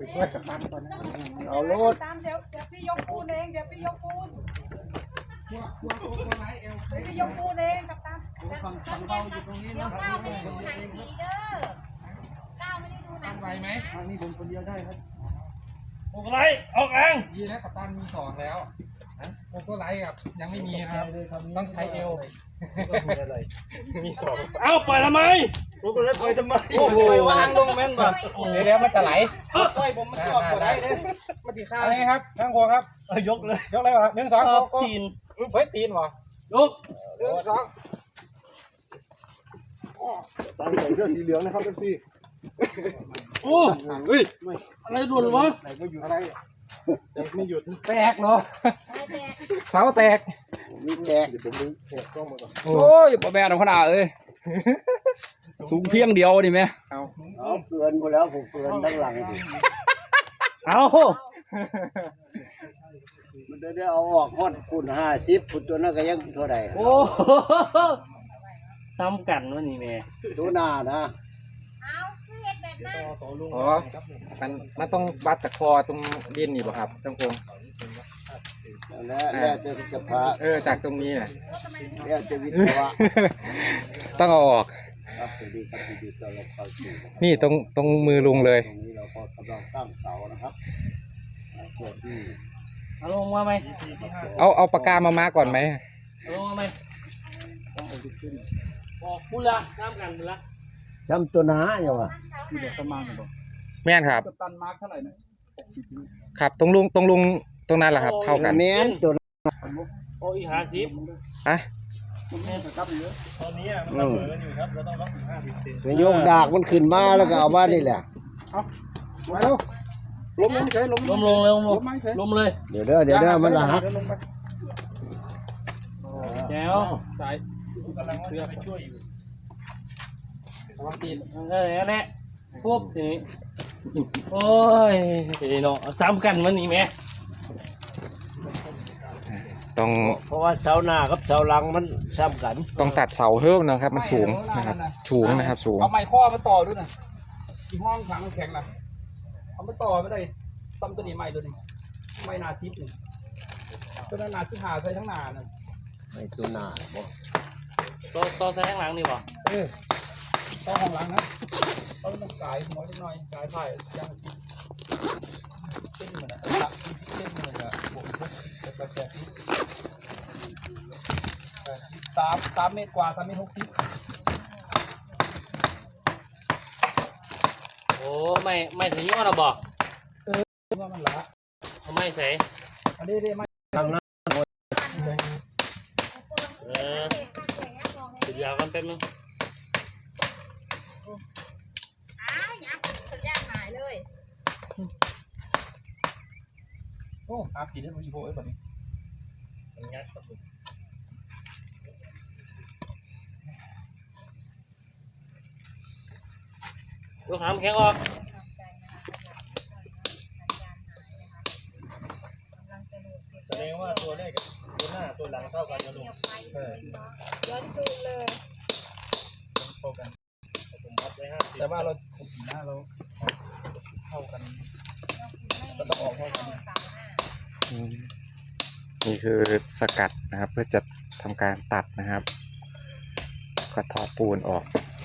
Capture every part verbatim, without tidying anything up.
ช่วยกับตันก่อนนะเอารถตามเดี๋ยวเดี๋ยวพี่ยกปูนเองเดี๋ยวพี่ยกปูนเดี๋ยวพี่ยกปูนเองกับตันฟังฟังเบาอยู่ตรงนี้นะก้าวไม่ได้ดูหนังผีเด้อก้าวไม่ได้ดูหนังไหวไหมทางนี้ผมคนเดียวได้ครับโอ้ก็ไล่ออกแรงดีนะกับตันมีสองแล้วโอ้ก็ไล่กับยังไม่มีครับต้องใช้เอวมีสองเอ้าปล่อยทำไมโอ้ก็เลยปล่อยทำไมโอ้โหวางลงแม่นแบบเดี๋ยวมันจะไหลปล่อยผมมันจะออกได้เลยมาตีข้าวนี่ครับทั้งหัวครับยกเลยยกเลยวะหนึ่งสองตีนเฮ้ยตีนวะยกหนึ่งสองตามใส่เสื้อสีเหลืองนะครับทุกทีโอ้เฮ้ยอะไรหลุดวะไหนก็อยู่อะไรไม่หยุดแตกเนาะเสาแตกมีแตกเดี๋ยวผมดึงแตกกล้องมาก่อนโอ้ยพ่อแม่น้องขนาดเลยสูงเพียงเดียวดิแม่เอาเอาเกินไปแล้วผมเกินทั้งหลังดิเอามันจะได้เอาออกฮอดคุณห้าสิบคุณตัวนั้นก็ยังเท่าไหร่โอ้ซ้ำกันวะนี่แม่ตัวหน้านะเอาคือเห็ดแบบนั้นอ๋อมันมันต้องวัดตะคอตรงดินนี่ป่ะครับจังพงแล้วแล้วจะสภาเออจากตรงนี้น่ะแล้วจะวิศวะต้องเอาออกครับสวัสดีครับสวัสดีเราเข้าสู่นี่ตรงตรงมือลุงเลยตรงนี้เราก็กำลังตั้งเสานะครับตัวที่เอาลงมาไหมเอาเอาปากกามามาก่อนไหมเอาลงมาไหมต้องเอาขึ้นบอกพูดละน้ำกันพูดละจำตัวหนาอยู่วะมีแต่ประมาณบ่แม่นครับตันมาร์คเท่าไหร่นะครับตรงลุงตรงลุงตรงนั้นแหละครับเข้ากันแม่นตัวโอ้ยห้าสิบอะตอนนี้มันเสมอกันอยู่ครับเราต้องล็อกถึงห้าสิบเซนโยกดากมันขึ้นมาแล้วก็เอาบ้านนี่แหละเอาไว้แล้วล้มลงเฉยล้มลงเลยล้มลงล้มเลยเดี๋ยวเด้อเดี๋ยวเด้อมันละฮักแจ๋วสายกำลังเชือกไปช่วยอยู่วางตีนเออแน่ปุ๊บทีโอ้ยเนาะซ้ำกันวันนี้แม่ต้องเพราะว่าเสาหน้ากับเสาหลังมันซ้ำกันต้องตัดเสาเพิ่มนะครับมันสูงนะครับสูงนะครับสูงเอาไม้ข้อมาต่อด้วยนะที่ห้องขังแข็งนะเอามาต่อไม่ได้ซ้ำตัวนี้ไม้ตัวนี้ไม้นาซิปนี่ตัวนั้นนาซิหาใส่ทั้งนานั่นไม้ตัวหน้าบ่ตัวตัวใส่ทั้งหลังนี่บ่เออต่อห้องหลังนะต้องมันกายหัวนิดหน่อยกายไผ่ยังเส้นเหมือนอะไรเส้นเหมือนอะไรบวกแต่แต่แต่ที่สามสามเมตรกว่าสามเมตรหกสิบโอ้ไม่ไม่ถึงยอดหรอบอกเออว่ามันละเขาไม่ใส่อันนี้ได้ไม่ทางนั้นเออสุดยาวกันแป๊บนึงโอ้อาผีได้มาอีโบเอ้แบบนี้งัดครับผมดูหามแข็งออกแสดงว่าตัวแรกกับตัวหน้าตัวหลังเท่ากันนะลุงเออย้อนดูเลยเท่ากันผมวัดไว้ห้าสิบแต่ว่าเราขุดหน้าเราเท่ากันก็ต้องออกเท่ากันนี่คือสกัดนะครับเพื่อจะทำการตัดนะครับก็ทอปูนออก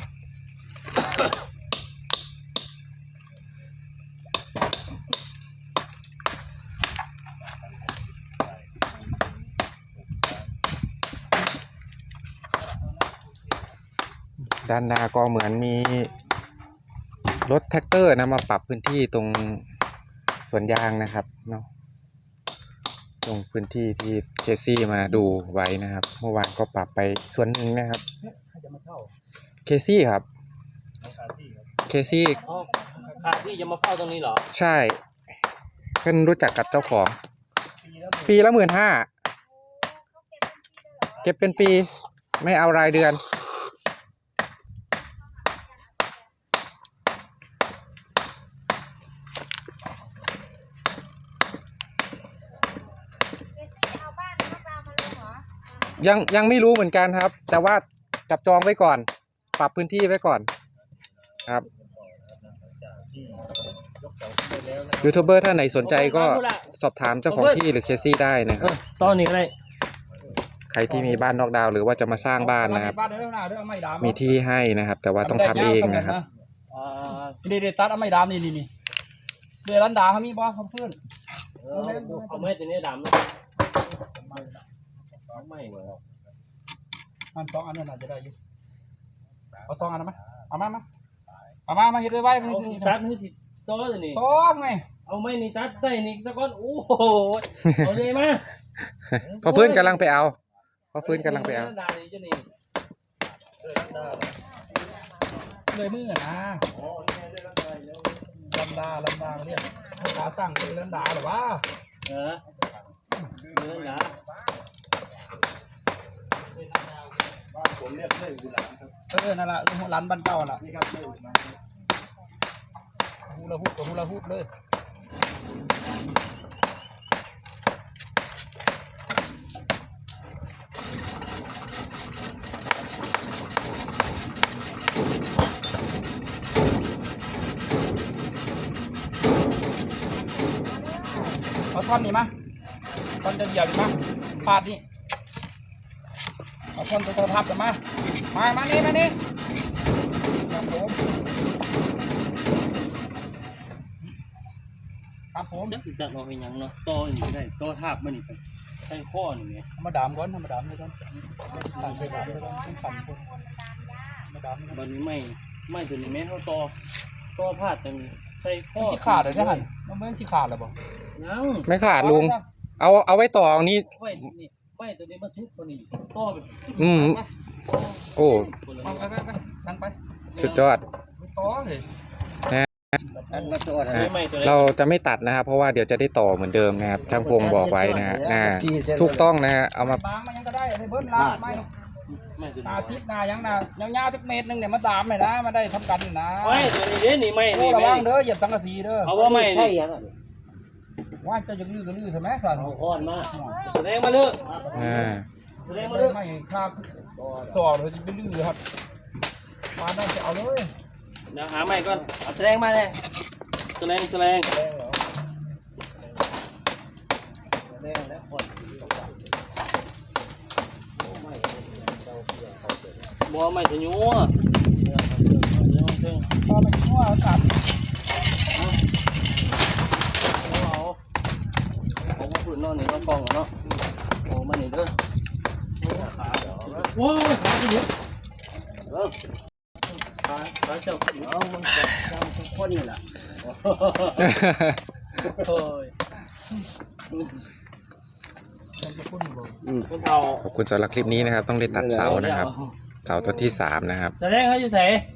ด้านหน้าก็เหมือนมีรถแท็กเตอร์นะมาปรับพื้นที่ตรงสวนยางนะครับเนาะตรงพื้นที่ที่เคซี่มาดูไว้นะครับเมื่อวานก็ปรับไปส่วนหนึ่งนะครับเคซี่ครับเคซี่คาที่จะมาเฝ้าตรงนี้เหรอใช่เพิ่งรู้จักกับเจ้าของปีละหมื่นห้าเก็บเป็นปีไม่เอารายเดือนยังยังไม่รู้เหมือนกันครับแต่ว่าจับจองไว้ก่อนปรับพื้นที่ไว้ก่อนครับยูทูบเบอร์ท่านไหนสนใจก็สอบถามเจ้าของที่หรือเคซี่ได้นะครับตอนนี้ก็ได้ใครที่มีบ้านนอกดาวน์หรือว่าจะมาสร้างบ้านนะครับ มีที่ให้นะครับ แต่ว่าต้องทำเองนะครับนี่เดี๋ยวตัดเอาไม้ดำนี่นี่นี่เดี๋ยวรันดาเขามีบ่เขาเพื่อนเอาไม้ตัวนี้ดำนะไม่เหรออันสองอันนั้นอาจจะได้อยู่เอาสองอันไหมเอามามาเอามามาเฮ็ดไว้ไว้เอาตัดนี่สิโตเลยนี่โตไงเอาไม้นี่ตัดใส่นี่ตะก้อนโอ้โหเอาเลยมาพอเพื่อนกำลังไปเอาพอเพื่อนกำลังไปเอาเลยมือนะลันดาลันดาเนี่ยขาสร้างเป็นลันดาหรือวะเออเรื่องนะเออนั่นแหละร้านบ้านเก่าล่ะฮูลาฮุบกับฮูลาฮุบเลยเอาท่อนนี้มาท่อนจะเหยียบมาปาดนี่เอาท่อนตัวพับกันมามามานี่มานี่ครับผมครับผมจักสิจักเราเป็นยังเนาะโตนี่ได้โตทาบมันนี่ไปใส่ข้อนี่ไงมาดามก่อนมาดามก่อนสั่นไปดามก่อนสั่นคนมาดามบันนี้ไม่ไม่ตัวนี้แม่เขาโตโตพาดจังใส่ข้อสิขาดเลยใช่ไหมมันไม่สิขาดหรอบ่ยังไม่ขาดลุง เอาเอาไว้ต่อเอานี้ไว้นี่ไม่ตัวนี้มันทุบตัวนี้โตแบบอืมโอ้ไปไปไปนั่งไปสุดยอดต่อเลยไม่ตัวเราจะไม่ตัดนะครับ เพราะว่าเดี๋ยวจะได้ต่อเหมือนเดิมนะครับช่างพงบอกไว้นะฮะอ่าถูกต้องนะฮะเอามาบางมันยังก็ได้ให้เบิ้ลลาไม่ไม่ตัวนานี้ซิดนายังนายาวๆทุกเมตรนึงเนี่ยมาดามเลยนะมาได้ทำกันนะไม่ตัวนี้เด้นี่ไม่โอ้นี่ระไม่วังเด้อเหยียบสังกะสีเด้อเอาว่าไม่นี่ว่าจะยังลื้อก็ลื้อใช่ไหมสันอ่อนมาแสดงมาเลยอ่าแสดงมาไม่เลยไม่ครับสอดเลยจะไปลื้อครับมาได้จะเอาเลยเดี๋ยวหาใหม่ก่อนเอาแสดงมาเลยแสดงแสดงบัวใหม่จะยัวพอไปชั่วตัดเอาเอาพวกพื้นนอนนี่มากองเนาะโอ้มาหนีเด้อโอ้ยขาจะยุบเออขาขาเจ้าเอามันจะเจ้าทุกคนนี่แหละโอ้ยคนเฒ่าขอบคุณสำหรับคลิปนี้นะครับ ต้องได้ตัดเสานะครับ เสาต้นที่สามนะครับแสดงเขาอยู่ไหน